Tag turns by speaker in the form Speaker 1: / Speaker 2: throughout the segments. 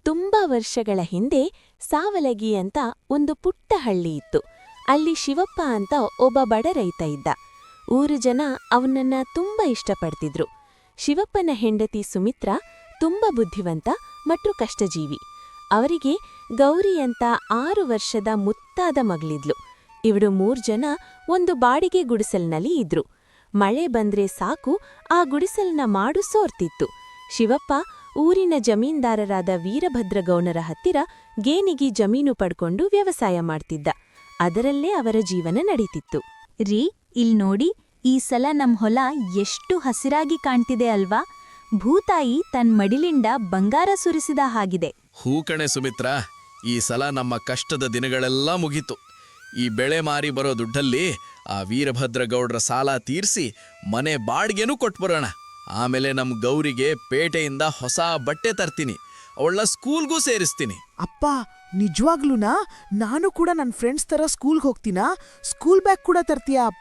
Speaker 1: ತುಂಬಾ ವರ್ಷಗಳ ಹಿಂದೆ ಸಾವಲಗಿ ಅಂತ ಒಂದು ಪುಟ್ಟ ಹಳ್ಳಿ ಇತ್ತು. ಅಲ್ಲಿ ಶಿವಪ್ಪ ಅಂತ ಒಬ್ಬ ಬಡ ರೈತ ಇದ್ದ. ಊರು ಜನ ಅವನನ್ನ ತುಂಬಾ ಇಷ್ಟಪಡ್ತಿದ್ರು. ಶಿವಪ್ಪನ ಹೆಂಡತಿ ಸುಮಿತ್ರಾ ತುಂಬಾ ಬುದ್ಧಿವಂತ ಮತ್ತು ಕಷ್ಟಜೀವಿ. ಅವರಿಗೆ ಗೌರಿ ಅಂತ 6 ವರ್ಷದ ಮುತ್ತಾದ ಮಗಳಿದ್ಲು. ಇವಳು 3 ಜನ ಒಂದು ಬಾಡಿಗೆ ಗುಡಿಸಲ್ನಲ್ಲಿ ಇದ್ರು. ಮಳೆ ಬಂದ್ರೆ ಸಾಕು ಆ ಗುಡಿಸಲ್ನ ಮಾಡು ಸೋರ್ತಿತ್ತು. ಶಿವಪ್ಪ ಊರಿನ ಜಮೀನ್ದಾರರಾದ ವೀರಭದ್ರಗೌನರ ಹತ್ತಿರ ಗೇಣಿಗೆ ಜಮೀನು ಪಡ್ಕೊಂಡು ವ್ಯವಸಾಯ ಮಾಡ್ತಿದ್ದ. ಅದರಲ್ಲೇ ಅವರ ಜೀವನ ನಡೀತಿತ್ತು.
Speaker 2: ರೀ, ಇಲ್ ನೋಡಿ, ಈ ಸಲ ನಮ್ ಹೊಲ ಎಷ್ಟು ಹಸಿರಾಗಿ ಕಾಣ್ತಿದೆ ಅಲ್ವಾ? ಭೂತಾಯಿ ತನ್ ಮಡಿಲಿಂದ ಬಂಗಾರ ಸುರಿಸಿದ ಹಾಗಿದೆ.
Speaker 3: ಹೂ ಕಣೆ ಸುಮಿತ್ರಾ, ಈ ಸಲ ನಮ್ಮ ಕಷ್ಟದ ದಿನಗಳೆಲ್ಲ ಮುಗೀತು. ಈ ಬೆಳೆ ಮಾರಿ ಬರೋ ದುಡ್ಡಲ್ಲಿ ಆ ವೀರಭದ್ರಗೌಡ್ರ ಸಾಲ ತೀರ್ಸಿ ಮನೆ ಬಾಡ್ಗೆನೂ ಕೊಟ್ಬರೋಣ. ಆಮೇಲೆ ನಮ್ ಗೌರಿಗೆ ಪೇಟೆಯಿಂದ ಹೊಸ ಬಟ್ಟೆ ತರ್ತೀನಿ, ಅವಳ ಸ್ಕೂಲ್ಗೂ ಸೇರಿಸ್ತೀನಿ.
Speaker 4: ಅಪ್ಪ, ನಿಜವಾಗ್ಲೂನಾ? ನಾನು ಕೂಡ ನನ್ನ ಫ್ರೆಂಡ್ಸ್ ತರ ಸ್ಕೂಲ್ಗೆ ಹೋಗ್ತೀನಾ? ಸ್ಕೂಲ್ ಬ್ಯಾಗ್ ಕೂಡ ತರ್ತೀಯಾ ಅಪ್ಪ?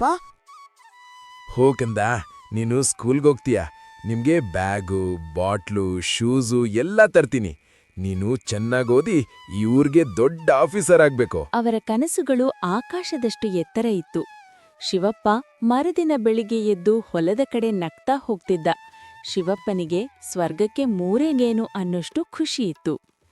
Speaker 5: ಹೋಗಂದ, ನೀನು ಸ್ಕೂಲ್ಗೆ ಹೋಗ್ತೀಯ, ನಿಮ್ಗೆ ಬ್ಯಾಗು, ಬಾಟ್ಲು, ಶೂಸು ಎಲ್ಲ ತರ್ತೀನಿ. ನೀನು ಚೆನ್ನಾಗಿ ಓದಿ ಈ ಊರ್ಗೆ ದೊಡ್ಡ ಆಫೀಸರ್ ಆಗ್ಬೇಕು.
Speaker 1: ಅವರ ಕನಸುಗಳು ಆಕಾಶದಷ್ಟು ಎತ್ತರ ಇತ್ತು. ಶಿವಪ್ಪ ಮರುದಿನ ಬೆಳಿಗ್ಗೆ ಎದ್ದು ಹೊಲದ ಕಡೆ ನಗ್ತಾ ಹೋಗ್ತಿದ್ದ. ಶಿವಪ್ಪನಿಗೆ ಸ್ವರ್ಗಕ್ಕೆ 3 ಗೇಣು ಅನ್ನೋಷ್ಟು ಖುಷಿಯಿತ್ತು.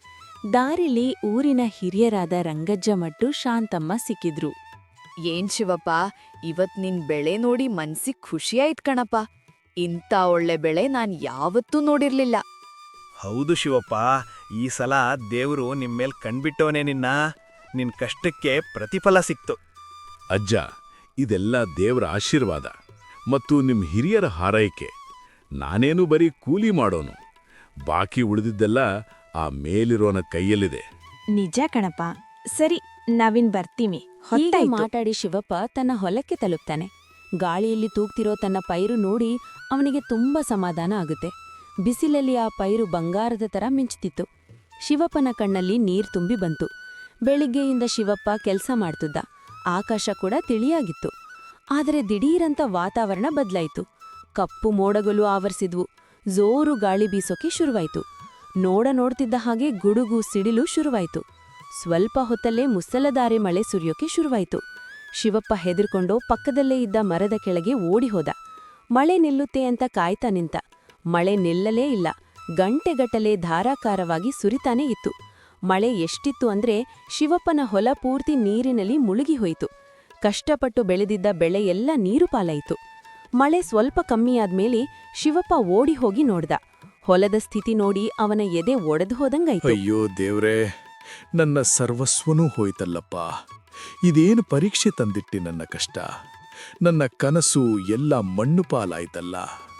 Speaker 1: ದಾರಿಲಿ ಊರಿನ ಹಿರಿಯರಾದ ರಂಗಜ್ಜ ಮತ್ತು ಶಾಂತಮ್ಮ ಸಿಕ್ಕಿದ್ರು.
Speaker 6: ಏನ್ ಶಿವಪ್ಪ, ಇವತ್ ನಿನ್ ಬೆಳೆ ನೋಡಿ ಮನ್ಸಿಗ್ ಖುಷಿಯಾಯ್ತ್ ಕಣಪ್ಪ. ಇಂಥ ಒಳ್ಳೆ ಬೆಳೆ ನಾನ್ ಯಾವತ್ತೂ ನೋಡಿರ್ಲಿಲ್ಲ.
Speaker 7: ಹೌದು ಶಿವಪ್ಪ, ಈ ಸಲ ದೇವ್ರು ನಿಮ್ಮೇಲ್ ಕಣ್ಬಿಟ್ಟವನೇ. ನಿನ್ ಕಷ್ಟಕ್ಕೆ ಪ್ರತಿಫಲ ಸಿಕ್ತು.
Speaker 5: ಅಜ್ಜ, ಇದೆಲ್ಲ ದೇವ್ರ ಆಶೀರ್ವಾದ ಮತ್ತು ನಿಮ್ ಹಿರಿಯರ ಹಾರೈಕೆ. ನಾನೇನು ಬರೀ ಕೂಲಿ ಮಾಡೋನು, ಬಾಕಿ ಉಳಿದಿದ್ದೆಲ್ಲ ಆ ಮೇಲಿರೋನ ಕೈಯಲ್ಲಿದೆ.
Speaker 2: ನಿಜ ಕಣಪ್ಪ. ಸರಿ, ನಾವಿನ್ ಬರ್ತೀವಿ.
Speaker 1: ಹೀಗೆ ಮಾತಾಡಿ ಶಿವಪ್ಪ ತನ್ನ ಹೊಲಕ್ಕೆ ತಲುಪ್ತಾನೆ. ಗಾಳಿಯಲ್ಲಿ ತೂಗ್ತಿರೋ ತನ್ನ ಪೈರು ನೋಡಿ ಅವನಿಗೆ ತುಂಬಾ ಸಮಾಧಾನ ಆಗುತ್ತೆ. ಬಿಸಿಲಲ್ಲಿ ಆ ಪೈರು ಬಂಗಾರದ ತರ ಮಿಂಚುತ್ತಿತ್ತು. ಶಿವಪ್ಪನ ಕಣ್ಣಲ್ಲಿ ನೀರ್ ತುಂಬಿ ಬಂತು. ಬೆಳಿಗ್ಗೆಯಿಂದ ಶಿವಪ್ಪ ಕೆಲಸ ಮಾಡ್ತಿದ್ದ. ಆಕಾಶ ಕೂಡ ತಿಳಿಯಾಗಿತ್ತು. ಆದರೆ ದಿಢೀರಂತ ವಾತಾವರಣ ಬದಲಾಯಿತು. ಕಪ್ಪು ಮೋಡಗಳು ಆವರಿಸಿದ್ವು. ಜೋರು ಗಾಳಿ ಬೀಸೋಕೆ ಶುರುವಾಯ್ತು. ನೋಡ್ತಿದ್ದ ಹಾಗೆ ಗುಡುಗು ಸಿಡಿಲು ಶುರುವಾಯ್ತು. ಸ್ವಲ್ಪ ಹೊತ್ತಲ್ಲೇ ಮುಸಲಧಾರೆ ಮಳೆ ಸುರಿಯೋಕೆ ಶುರುವಾಯ್ತು. ಶಿವಪ್ಪ ಹೆದರ್ಕೊಂಡು ಪಕ್ಕದಲ್ಲೇ ಇದ್ದ ಮರದ ಕೆಳಗೆ ಓಡಿ ಹೋದ. ಮಳೆ ನಿಲ್ಲುತ್ತೆ ಅಂತ ಕಾಯ್ತಾ ನಿಂತ. ಮಳೆ ನಿಲ್ಲಲೇ ಇಲ್ಲ. ಗಂಟೆಗಟ್ಟಲೆ ಧಾರಾಕಾರವಾಗಿ ಸುರಿತಾನೇ ಇತ್ತು. ಮಳೆ ಎಷ್ಟಿತ್ತು ಅಂದ್ರೆ ಶಿವಪ್ಪನ ಹೊಲ ಪೂರ್ತಿ ನೀರಿನಲ್ಲಿ ಮುಳುಗಿ ಹೋಯಿತು. ಕಷ್ಟಪಟ್ಟು ಬೆಳೆದಿದ್ದ ಬೆಳೆ ಎಲ್ಲ ನೀರು ಪಾಲಾಯಿತು. ಮಳೆ ಸ್ವಲ್ಪ ಕಮ್ಮಿಯಾದ್ಮೇಲೆ ಶಿವಪ್ಪ ಓಡಿ ಹೋಗಿ ನೋಡ್ದ. ಹೊಲದ ಸ್ಥಿತಿ ನೋಡಿ ಅವನ ಎದೆ ಒಡೆದು ಹೋದಂಗಾಯ್ತು.
Speaker 5: ಅಯ್ಯೋ ದೇವ್ರೇ, ನನ್ನ ಸರ್ವಸ್ವನೂ ಹೋಯ್ತಲ್ಲಪ್ಪ. ಇದೇನು ಪರೀಕ್ಷೆ ತಂದಿಟ್ಟಿ ನನ್ನ ಕಷ್ಟ. ನನ್ನ ಕನಸು ಎಲ್ಲ ಮಣ್ಣು ಪಾಲಾಯ್ತಲ್ಲ.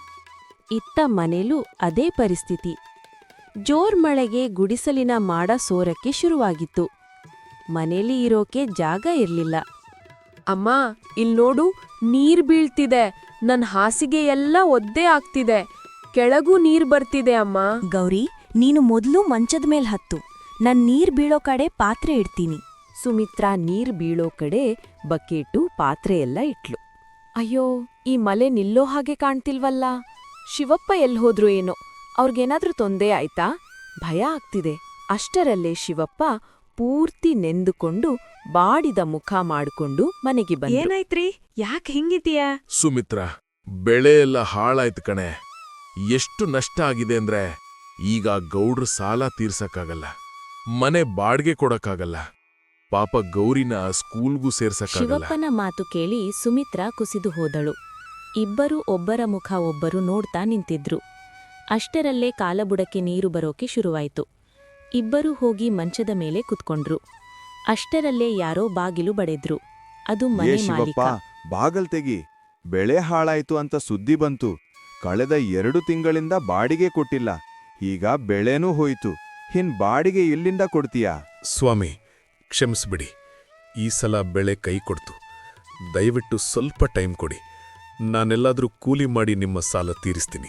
Speaker 1: ಇತ್ತ ಮನೇಲೂ ಅದೇ ಪರಿಸ್ಥಿತಿ. ಜೋರ್ ಮಳೆಗೆ ಗುಡಿಸಲಿನ ಮಾಡ ಸೋರಕ್ಕೆ ಶುರುವಾಗಿತ್ತು. ಮನೇಲಿ ಇರೋಕೆ ಜಾಗ ಇರ್ಲಿಲ್ಲ.
Speaker 8: ಅಮ್ಮ, ಇಲ್ ನೋಡು, ನೀರ್ ಬೀಳ್ತಿದೆ. ನನ್ ಹಾಸಿಗೆ ಎಲ್ಲ ಒದ್ದೆ ಆಗ್ತಿದೆ. ಕೆಳಗೂ ನೀರ್ ಬರ್ತಿದೆ ಅಮ್ಮ.
Speaker 2: ಗೌರಿ, ನೀನು ಮೊದ್ಲು ಮಂಚದ ಮೇಲ್ ಹತ್ತು. ನಾನ್ ನೀರ್ ಬೀಳೋ ಕಡೆ ಪಾತ್ರೆ ಇಡ್ತೀನಿ.
Speaker 1: ಸುಮಿತ್ರಾ ನೀರ್ ಬೀಳೋ ಕಡೆ ಬಕೆಟು ಪಾತ್ರೆ ಎಲ್ಲ ಇಟ್ಲು. ಅಯ್ಯೋ, ಈ ಮಳೆ ನಿಲ್ಲೋ ಹಾಗೆ ಕಾಣ್ತಿಲ್ವಲ್ಲ. ಶಿವಪ್ಪ ಎಲ್ಹೋದ್ರು ಏನೋ, ಅವ್ರಿಗೇನಾದ್ರೂ ತೊಂದರೆ ಆಯ್ತಾ? ಭಯ ಆಗ್ತಿದೆ. ಅಷ್ಟರಲ್ಲೇ ಶಿವಪ್ಪ ಪೂರ್ತಿ ನೆಂದುಕೊಂಡು ಬಾಡಿದ ಮುಖ ಮಾಡ್ಕೊಂಡು ಮನೆಗೆ ಬಂದ.
Speaker 8: ಏನಾಯ್ತ್ರಿ? ಯಾಕೆ ಹಿಂಗಿದೀಯಾ?
Speaker 5: ಸುಮಿತ್ರಾ, ಬೆಳೆ ಎಲ್ಲ ಹಾಳಾಯ್ತು ಕಣೆ. ಎಷ್ಟು ನಷ್ಟ ಆಗಿದೆ ಅಂದ್ರೆ ಈಗ ಗೌಡ್ರ ಸಾಲ ತೀರ್ಸಕ್ಕಾಗಲ್ಲ, ಮನೆ ಬಾಡ್ಗೆ ಕೊಡಕ್ಕಾಗಲ್ಲ, ಪಾಪ ಗೌರಿನ ಸ್ಕೂಲ್ಗೂ ಸೇರ್ಸಕ್ಕಾಗಲ್ಲ.
Speaker 1: ಶಿವಪ್ಪನ ಮಾತು ಕೇಳಿ ಸುಮಿತ್ರಾ ಕುಸಿದು ಹೋದಳು. ಇಬ್ಬರೂ ಒಬ್ಬರ ಮುಖ ಒಬ್ಬರು ನೋಡ್ತಾ ನಿಂತಿದ್ರು. ಅಷ್ಟರಲ್ಲೇ ಕಾಲಬುಡಕ್ಕೆ ನೀರು ಬರೋಕೆ ಶುರುವಾಯ್ತು. ಇಬ್ಬರೂ ಹೋಗಿ ಮಂಚದ ಮೇಲೆ ಕುತ್ಕೊಂಡ್ರು. ಅಷ್ಟರಲ್ಲೇ ಯಾರೋ ಬಾಗಿಲು ಬಡೆದ್ರು. ಅದು ಮನೆ ಮಾಲೀಕ.
Speaker 9: ಬಾಗಲ್ ತೆಗಿ, ಬೆಳೆ ಹಾಳಾಯ್ತು ಅಂತ ಸುದ್ದಿ ಬಂತು. ಕಳೆದ 2 ತಿಂಗಳಿಂದ ಬಾಡಿಗೆ ಕೊಟ್ಟಿಲ್ಲ. ಈಗ ಬೆಳೆನೂ ಹೋಯ್ತು. ಬಾಡಿಗೆ ಎಲ್ಲಿಂದ ಕೊಡ್ತೀಯಾ?
Speaker 5: ಸ್ವಾಮಿ, ಕ್ಷಮಿಸ್ಬಿಡಿ. ಈ ಸಲ ಬೆಳೆ ಕೈ ಕೊಡ್ತು. ದಯವಿಟ್ಟು ಸ್ವಲ್ಪ ಟೈಮ್ ಕೊಡಿ. ನಾನೆಲ್ಲಾದ್ರೂ ಕೂಲಿ ಮಾಡಿ ನಿಮ್ಮ ಸಾಲ ತೀರಿಸ್ತೀನಿ.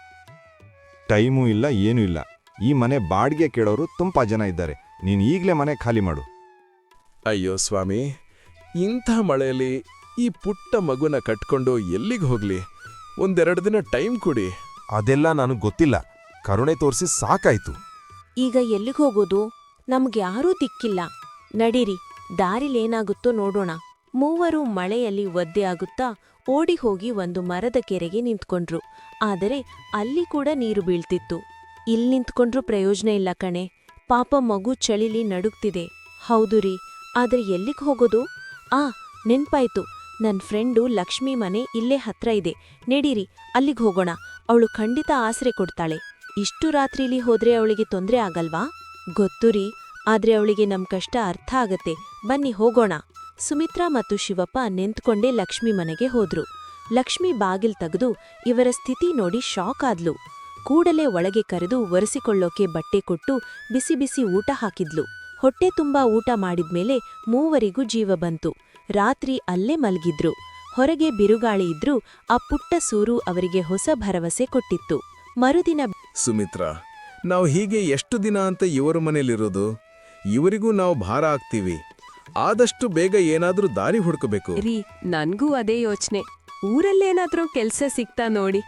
Speaker 9: ಟೈಮೂ ಇಲ್ಲ, ಏನೂ ಇಲ್ಲ. ಈ ಮನೆ ಬಾಡಿಗೆ ಕೇಳೋರು ತುಂಬಾ ಜನ ಇದ್ದಾರೆ. ನೀನು ಈಗ್ಲೇ ಮನೆ ಖಾಲಿ ಮಾಡು.
Speaker 5: ಅಯ್ಯೋ ಸ್ವಾಮಿ, ಇಂಥ ಮಳೆಯಲ್ಲಿ ಈ ಪುಟ್ಟ ಮಗುನ ಕಟ್ಕೊಂಡು ಎಲ್ಲಿಗೆ ಹೋಗ್ಲಿ? 1-2 ದಿನ ಟೈಮ್ ಕೊಡಿ.
Speaker 9: ಅದೆಲ್ಲ ನನಗೆ ಗೊತ್ತಿಲ್ಲ. ಕರುಣೆ ತೋರಿಸಿ ಸಾಕಾಯ್ತು.
Speaker 1: ಈಗ ಎಲ್ಲಿಗೆ ಹೋಗೋದು? ನಮ್ಗ್ಯಾರೂ ದಿಕ್ಕಿಲ್ಲ. ನಡೀರಿ, ದಾರಿಲೇನಾಗುತ್ತೋ ನೋಡೋಣ. ಮೂವರು ಮಳೆಯಲ್ಲಿ ಒದ್ದೆ ಆಗುತ್ತಾ ಓಡಿ ಹೋಗಿ ಒಂದು ಮರದ ಕೆರೆಗೆ ನಿಂತ್ಕೊಂಡ್ರು. ಆದರೆ ಅಲ್ಲಿ ಕೂಡ ನೀರು ಬೀಳ್ತಿತ್ತು. ಇಲ್ಲಿ ನಿಂತ್ಕೊಂಡ್ರೂ ಪ್ರಯೋಜನ ಇಲ್ಲ ಕಣೆ. ಪಾಪ ಮಗು ಚಳಿಲಿ ನಡುಗ್ತಿದೆ. ಹೌದು ರೀ, ಆದ್ರೆ ಎಲ್ಲಿಗ್ ಹೋಗೋದು? ನೆನ್ಪಾಯ್ತು, ನನ್ ಫ್ರೆಂಡು ಲಕ್ಷ್ಮಿ ಮನೆ ಇಲ್ಲೇ ಹತ್ರ ಇದೆ. ನಡೀರಿ, ಅಲ್ಲಿಗ್ ಹೋಗೋಣ. ಅವಳು ಖಂಡಿತ ಆಸರೆ ಕೊಡ್ತಾಳೆ. ಇಷ್ಟು ರಾತ್ರಿಲಿ ಹೋದ್ರೆ ಅವಳಿಗೆ ತೊಂದ್ರೆ ಆಗಲ್ವಾ? ಗೊತ್ತು ರೀ, ಆದ್ರೆ ಅವಳಿಗೆ ನಮ್ ಕಷ್ಟ ಅರ್ಥ ಆಗತ್ತೆ. ಬನ್ನಿ ಹೋಗೋಣ. ಸುಮಿತ್ರಾ ಮತ್ತು ಶಿವಪ್ಪ ನಿಂತ್ಕೊಂಡೇ ಲಕ್ಷ್ಮಿ ಮನೆಗೆ ಹೋದ್ರು. ಲಕ್ಷ್ಮಿ ಬಾಗಿಲ್ ತೆಗೆದು ಇವರ ಸ್ಥಿತಿ ನೋಡಿ ಶಾಕ್ ಆದ್ಲು. ಕೂಡಲೇ ಒಳಗೆ ಕರೆದು ಒರೆಸಿಕೊಳ್ಳೋಕೆ ಬಟ್ಟೆ ಕೊಟ್ಟು ಬಿಸಿ ಬಿಸಿ ಊಟ ಹಾಕಿದ್ಲು. ಹೊಟ್ಟೆ ತುಂಬಾ ಊಟ ಮಾಡಿದ್ಮೇಲೆ ಮೂವರಿಗೂ ಜೀವ ಬಂತು. ರಾತ್ರಿ ಅಲ್ಲೇ ಮಲ್ಗಿದ್ರು. ಹೊರಗೆ ಬಿರುಗಾಳಿ ಇದ್ರೂ ಆ ಪುಟ್ಟ ಸೂರು ಅವರಿಗೆ ಹೊಸ ಭರವಸೆ ಕೊಟ್ಟಿತ್ತು. ಮರುದಿನ
Speaker 5: ಸುಮಿತ್ರಾ, ನಾವು ಹೀಗೆ ಎಷ್ಟು ದಿನ ಅಂತ ಇವರ ಮನೇಲಿರೋದು? ಇವರಿಗೂ ನಾವು ಭಾರ ಆಗ್ತೀವಿ. ಆದಷ್ಟು ಬೇಗ ಏನಾದ್ರೂ ದಾರಿ ಹುಡುಕಬೇಕು.
Speaker 8: ರೀ, ನನ್ಗೂ ಅದೇ ಯೋಚನೆ. ಊರಲ್ಲೇನಾದ್ರೂ ಕೆಲ್ಸ ಸಿಗ್ತಾ ನೋಡಿ.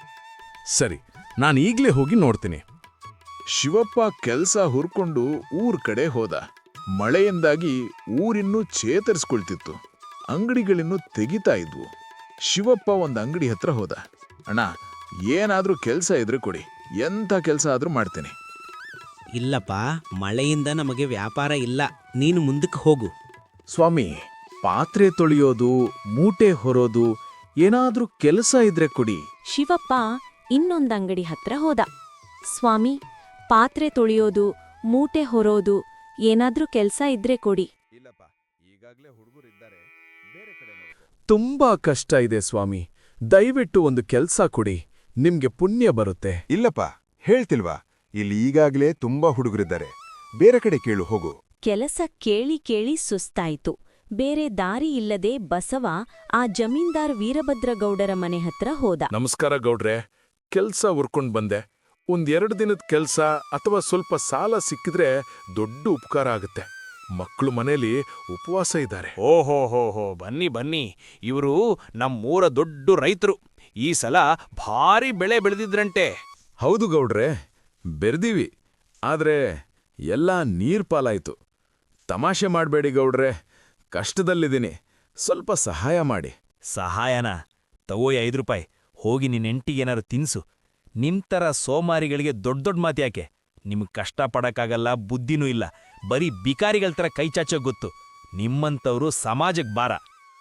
Speaker 5: ಸರಿ, ನಾನು ಈಗ್ಲೇ ಹೋಗಿ ನೋಡ್ತೀನಿ.
Speaker 10: ಶಿವಪ್ಪ ಕೆಲ್ಸ ಹುರ್ಕೊಂಡು ಊರ್ ಕಡೆ ಹೋದ. ಮಳೆಯಿಂದಾಗಿ ಊರಿನ್ನೂ ಚೇತರಿಸ್ಕೊಳ್ತಿತ್ತು. ಅಂಗಡಿಗಳಿನ್ನೂ ತೆಗಿತಾ ಇದ್ವು. ಶಿವಪ್ಪ ಒಂದ್ ಅಂಗಡಿ ಹತ್ರ ಹೋದ. ಅಣ್ಣ, ಏನಾದ್ರೂ ಕೆಲ್ಸ ಇದ್ರೆ ಕೊಡಿ, ಎಂಥ ಕೆಲ್ಸ ಆದ್ರೂ ಮಾಡ್ತೀನಿ.
Speaker 11: ಇಲ್ಲಪ್ಪ, ಮಳೆಯಿಂದ ನಮಗೆ ವ್ಯಾಪಾರ ಇಲ್ಲ. ನೀನು ಮುಂದಕ್ಕೆ ಹೋಗು.
Speaker 10: ಸ್ವಾಮಿ, ಪಾತ್ರೆ ತೊಳೆಯೋದು, ಮೂಟೆ ಹೊರೋದು, ಏನಾದ್ರೂ ಕೆಲಸ ಇದ್ರೆ ಕೊಡಿ.
Speaker 1: ಶಿವಪ್ಪ ಇನ್ನೊಂದಂಗಡಿ ಹತ್ರ ಹೋದ. ಸ್ವಾಮಿ, ಪಾತ್ರೆ ತೊಳೆಯೋದು, ಮೂಟೆ ಹೊರೋದು, ಏನಾದ್ರೂ ಕೆಲ್ಸ ಇದ್ರೆ ಕೊಡಿ.
Speaker 9: ಇಲ್ಲಪ್ಪ, ಈಗಾಗ್ಲೇ ಹುಡುಗರಿದ್ದಾರೆ, ಬೇರೆ ಕಡೆ ನೋಡ್ಕೊ.
Speaker 5: ತುಂಬಾ ಕಷ್ಟ ಇದೆ ಸ್ವಾಮಿ. ದಯವಿಟ್ಟು ಒಂದು ಕೆಲ್ಸ ಕೊಡಿ, ನಿಮ್ಗೆ ಪುಣ್ಯ ಬರುತ್ತೆ.
Speaker 9: ಇಲ್ಲಪ್ಪ, ಹೇಳ್ತಿಲ್ವಾ, ಇಲ್ಲಿ ಈಗಾಗ್ಲೇ ತುಂಬಾ ಹುಡುಗರಿದ್ದಾರೆ, ಬೇರೆ ಕಡೆ ಕೇಳು, ಹೋಗು.
Speaker 1: ಕೆಲಸ ಕೇಳಿ ಕೇಳಿ ಸುಸ್ತಾಯಿತು. ಬೇರೆ ದಾರಿ ಇಲ್ಲದೆ ಬಸವ ಆ ಜಮೀನ್ದಾರ್ ವೀರಭದ್ರಗೌಡರ ಮನೆ ಹತ್ರ ಹೋದ.
Speaker 5: ನಮಸ್ಕಾರ ಗೌಡ್ರೆ, ಕೆಲ್ಸ ಉರ್ಕೊಂಡ್ ಬಂದೆ. ಒಂದೆರಡು ದಿನದ ಕೆಲ್ಸ ಅಥವಾ ಸ್ವಲ್ಪ ಸಾಲ ಸಿಕ್ಕಿದ್ರೆ ದೊಡ್ಡ ಉಪಕಾರ ಆಗುತ್ತೆ. ಮಕ್ಕಳು ಮನೇಲಿ ಉಪವಾಸ ಇದ್ದಾರೆ.
Speaker 7: ಓಹೋ, ಬನ್ನಿ ಬನ್ನಿ. ಇವರು ನಮ್ಮೂರ ದೊಡ್ಡ ರೈತರು. ಈ ಸಲ ಭಾರಿ ಬೆಳೆ ಬೆಳೆದಿದ್ರಂತೆ.
Speaker 5: ಹೌದು ಗೌಡ್ರೆ, ಬೆರ್ದೀವಿ. ಆದ್ರೆ ಎಲ್ಲ ನೀರ್ ಪಾಲಾಯ್ತು. ತಮಾಷೆ ಮಾಡ್ಬೇಡಿ ಗೌಡ್ರೆ, ಕಷ್ಟದಲ್ಲಿದ್ದೀನಿ. ಸ್ವಲ್ಪ ಸಹಾಯ ಮಾಡಿ.
Speaker 7: ಸಹಾಯನ? ತಗೋ 5 ರೂಪಾಯಿ. ಹೋಗಿ ನಿನ್ನ ಹೆಂಡ್ತಿಗೇನಾರು ತಿನ್ಸು. ನಿಮ್ತರ ಸೋಮಾರಿಗಳಿಗೆ ದೊಡ್ಡ ಮಾತು ಯಾಕೆ? ನಿಮ್ಗೆ ಕಷ್ಟ ಪಡಕ್ಕಾಗಲ್ಲ, ಬುದ್ಧಿನೂ ಇಲ್ಲ. ಬರೀ ಬಿಕಾರಿಗಳ ಥರ ಕೈಚಾಚೋ ಗೊತ್ತು. ನಿಮ್ಮಂಥವ್ರು ಸಮಾಜಕ್ಕೆ ಭಾರ.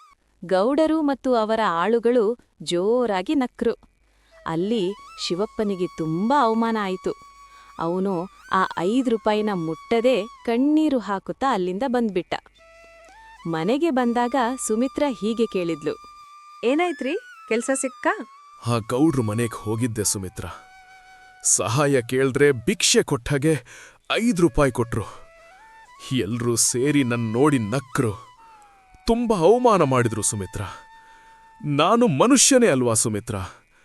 Speaker 1: ಗೌಡರು ಮತ್ತು ಅವರ ಆಳುಗಳು ಜೋರಾಗಿ ನಕ್ರು. ಅಲ್ಲಿ ಶಿವಪ್ಪನಿಗೆ ತುಂಬಾ ಅವಮಾನ ಆಯಿತು. ಅವನು ಆ 5 ರೂಪಾಯಿನ ಮುಟ್ಟದೆ ಕಣ್ಣೀರು ಹಾಕುತ್ತಾ ಅಲ್ಲಿಂದ ಬಂದ್ಬಿಟ್ಟ. ಮನೆಗೆ ಬಂದಾಗ ಸುಮಿತ್ರಾ ಹೀಗೆ ಕೇಳಿದ್ಲು.
Speaker 8: ಏನಾಯ್ತ್ರಿ, ಕೆಲ್ಸ ಸಿಕ್ಕಾ?
Speaker 5: ಆ ಗೌಡ್ರು ಮನೆಗೆ ಹೋಗಿದ್ದೆ ಸುಮಿತ್ರಾ. ಸಹಾಯ ಕೇಳಿದ್ರೆ ಭಿಕ್ಷೆ ಕೊಟ್ಟಾಗೆ 5 ರೂಪಾಯಿ ಕೊಟ್ರು. ಎಲ್ರೂ ಸೇರಿ ನನ್ನ ನೋಡಿ ನಕ್ರು. ತುಂಬಾ ಅವಮಾನ ಮಾಡಿದ್ರು ಸುಮಿತ್ರಾ. ನಾನು ಮನುಷ್ಯನೇ ಅಲ್ವಾ ಸುಮಿತ್ರಾ?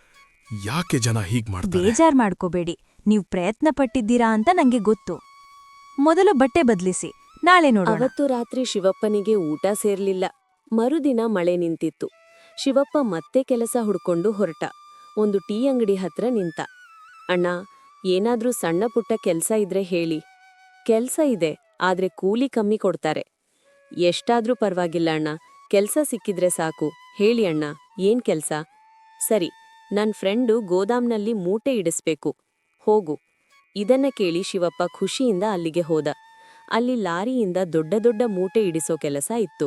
Speaker 5: ಯಾಕೆ ಜನ ಹೀಗ್ ಮಾಡ್ತಾರೆ?
Speaker 2: ಬೇಜಾರ್ ಮಾಡ್ಕೋಬೇಡಿ. ನೀವು ಪ್ರಯತ್ನ ಪಟ್ಟಿದ್ದೀರಾ ಅಂತ ನಂಗೆ ಗೊತ್ತು. ಮೊದಲು ಬಟ್ಟೆ ಬದ್ಲಿಸಿ, ನಾಳೆ ನೋಡೋಣ.
Speaker 1: ಅವತ್ತು ರಾತ್ರಿ ಶಿವಪ್ಪನಿಗೆ ಊಟ ಸೇರ್ಲಿಲ್ಲ. ಮರುದಿನ ಮಳೆ ನಿಂತಿತ್ತು. ಶಿವಪ್ಪ ಮತ್ತೆ ಕೆಲಸ ಹುಡ್ಕೊಂಡು ಹೊರಟ. ಒಂದು ಟೀ ಅಂಗಡಿ ಹತ್ರ ನಿಂತ. ಅಣ್ಣ, ಏನಾದ್ರೂ ಸಣ್ಣ ಪುಟ್ಟ ಕೆಲ್ಸ ಇದ್ರೆ ಹೇಳಿ. ಕೆಲ್ಸ ಇದೆ, ಆದ್ರೆ ಕೂಲಿ ಕಮ್ಮಿ ಕೊಡ್ತಾರೆ. ಎಷ್ಟಾದ್ರೂ ಪರ್ವಾಗಿಲ್ಲ ಅಣ್ಣ, ಕೆಲ್ಸ ಸಿಕ್ಕಿದ್ರೆ ಸಾಕು. ಹೇಳಿ ಅಣ್ಣ, ಏನ್ ಕೆಲ್ಸ? ಸರಿ, ನನ್ ಫ್ರೆಂಡು ಗೋದಾಮ್ನಲ್ಲಿ ಮೂಟೆ ಇಡಿಸ್ಬೇಕು. ಹೋಗು. ಇದನ್ನ ಕೇಳಿ ಶಿವಪ್ಪ ಖುಷಿಯಿಂದ ಅಲ್ಲಿಗೆ ಹೋದ. ಅಲ್ಲಿ ಲಾರಿಯಿಂದ ದೊಡ್ಡ ದೊಡ್ಡ ಮೂಟೆ ಇಡಿಸೋ ಕೆಲಸ ಇತ್ತು.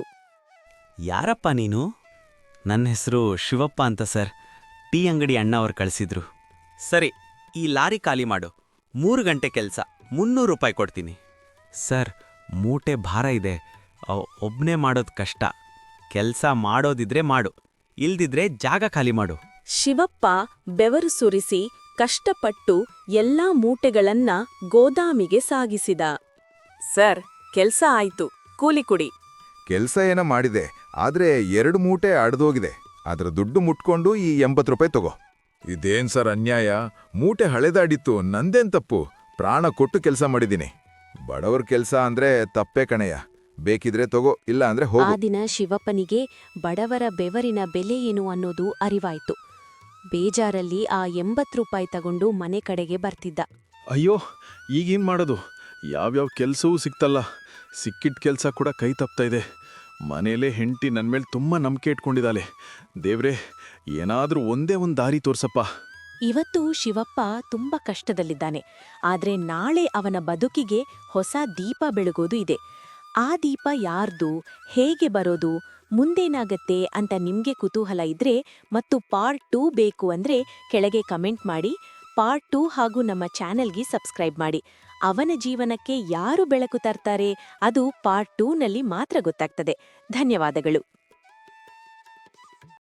Speaker 11: ಯಾರಪ್ಪ ನೀನು? ನನ್ನ ಹೆಸರು ಶಿವಪ್ಪ ಅಂತ ಸರ್. ಟೀ ಅಂಗಡಿ ಅಣ್ಣ ಅವ್ರು ಕಳಿಸಿದ್ರು. ಸರಿ, ಈ ಲಾರಿ ಖಾಲಿ ಮಾಡು. 3 ಗಂಟೆ ಕೆಲಸ, 300 ರೂಪಾಯಿ ಕೊಡ್ತೀನಿ. ಸರ್, ಮೂಟೆ ಭಾರ ಇದೆ, ಒಬ್ನೇ ಮಾಡೋದು ಕಷ್ಟ. ಕೆಲಸ ಮಾಡೋದಿದ್ರೆ ಮಾಡು, ಇಲ್ದಿದ್ರೆ ಜಾಗ ಖಾಲಿ ಮಾಡು.
Speaker 1: ಶಿವಪ್ಪ ಬೆವರು ಸುರಿಸಿ ಕಷ್ಟಪಟ್ಟು ಎಲ್ಲಾ ಮೂಟೆಗಳನ್ನ ಗೋದಾಮಿಗೆ ಸಾಗಿಸಿದ. ಸರ್, ಕೆಲ್ಸ ಆಯ್ತು, ಕೂಲಿ ಕೊಡಿ.
Speaker 9: ಕೆಲ್ಸ ಏನೋ ಮಾಡಿದೆ, ಆದ್ರೆ 2 ಮೂಟೆ ಅಡ್ದೋಗಿದೆ. ಅದರ ದುಡ್ಡು ಮುಟ್ಕೊಂಡು ಈ 80 ರೂಪಾಯಿ ತಗೋ.
Speaker 5: ಇದೇನ್ ಸರ್ ಅನ್ಯಾಯ? ಮೂಟೆ ಹಳೆದಾಡಿತ್ತು, ನಂದೇನ್ ತಪ್ಪು?
Speaker 9: ಪ್ರಾಣ ಕೊಟ್ಟು ಕೆಲಸ ಮಾಡಿದ್ದೀನಿ. ಬಡವರ ಕೆಲಸ ಅಂದ್ರೆ ತಪ್ಪೇ ಕಣಯ್ಯ. ಬೇಕಿದ್ರೆ ತಗೋ, ಇಲ್ಲ ಅಂದ್ರೆ
Speaker 1: ಆ
Speaker 9: ಹೋಗು.
Speaker 1: ದಿನ ಶಿವಪ್ಪನಿಗೆ ಬಡವರ ಬೆವರಿನ ಬೆಲೆ ಏನು ಅನ್ನೋದು ಅರಿವಾಯ್ತು. ಬೇಜಾರಲ್ಲಿ ಆ 80 ರೂಪಾಯಿ ತಗೊಂಡು ಮನೆ ಕಡೆಗೆ ಬರ್ತಿದ್ದ.
Speaker 10: ಅಯ್ಯೋ ಈಗೇನು ಮಾಡೋದು? ಯಾವ್ಯಾವ ಕೆಲಸವೂ ಸಿಕ್ತಲ್ಲ. ಸಿಕ್ಕಿದ ಕೆಲಸ ಕೂಡ ಕೈ ತಪ್ತಾ ಇದೆ. ಮನೇಲೇ ಹೆಂಡತಿ ನನ್ನ ಮೇಲೆ ತುಂಬ ನಂಬಿಕೆ ಇಟ್ಕೊಂಡಿದ್ದಾಳೆ. ದೇವ್ರೇ, ಏನಾದರೂ ಒಂದೇ ಒಂದು ದಾರಿ ತೋರ್ಸಪ್ಪ.
Speaker 1: ಇವತ್ತು ಶಿವಪ್ಪ ತುಂಬಾ ಕಷ್ಟದಲ್ಲಿದ್ದಾನೆ. ಆದ್ರೆ ನಾಳೆ ಅವನ ಬದುಕಿಗೆ ಹೊಸ ದೀಪ ಬೆಳಗೋದು ಇದೆ. ಆ ದೀಪ ಯಾರ್ದು, ಹೇಗೆ ಬರೋದು, ಮುಂದೇನಾಗತ್ತೆ ಅಂತ ನಿಮ್ಗೆ ಕುತೂಹಲ ಇದ್ರೆ ಮತ್ತು ಪಾರ್ಟ್ 2 ಬೇಕು ಅಂದ್ರೆ ಕೆಳಗೆ ಕಮೆಂಟ್ ಮಾಡಿ. ಪಾರ್ಟ್ 2 ಹಾಗೂ ನಮ್ಮ ಚಾನೆಲ್ಗೆ ಸಬ್ಸ್ಕ್ರೈಬ್ ಮಾಡಿ. ಅವನ ಜೀವನಕ್ಕೆ ಯಾರು ಬೆಳಕು ತರ್ತಾರೆ ಅದು ಪಾರ್ಟ್ 2 ನಲ್ಲಿ ಮಾತ್ರ ಗೊತ್ತಾಗ್ತದೆ. ಧನ್ಯವಾದಗಳು.